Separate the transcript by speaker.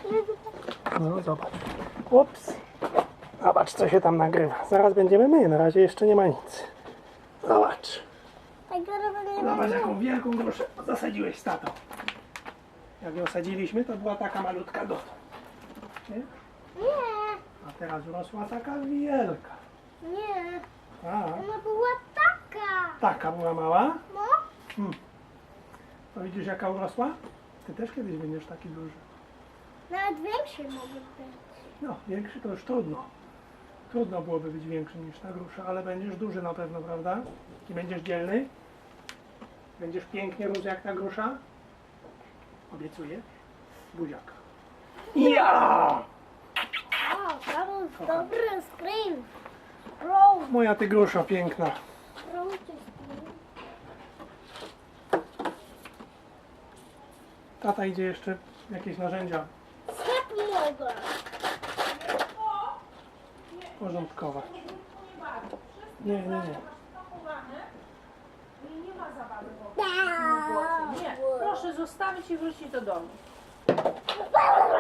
Speaker 1: No zobacz. Ups. Zobacz, co się tam nagrywa. Zaraz będziemy my, na razie jeszcze nie ma nic. Zobacz. Zobacz, jaką wielką gruszę zasadziłeś z tatą. Jak ją sadziliśmy, to była taka malutka dotąd. Nie?
Speaker 2: Nie,
Speaker 1: A teraz urosła taka wielka.
Speaker 2: nie.
Speaker 1: A,
Speaker 2: Ona była taka.
Speaker 1: taka była mała.
Speaker 2: No.
Speaker 1: To widzisz, jaka urosła? Ty też kiedyś będziesz taki duży.
Speaker 2: Nawet większy może być.
Speaker 1: No, większy to już trudno. Trudno byłoby być większy niż ta grusza, ale będziesz duży na pewno, prawda? I będziesz dzielny? Będziesz pięknie rósł jak ta grusza? Obiecuję? Buziaka. Ja!
Speaker 2: O, to był dobry screen. Roll.
Speaker 1: Moja ty grusza piękna.
Speaker 2: Roll to screen.
Speaker 1: Tata idzie jeszcze jakieś narzędzia
Speaker 2: Sklep mogę.
Speaker 1: porządkować. Nie.
Speaker 3: Nie ma zabawy w ogóle. Nie, proszę zostawić i wrócić do domu.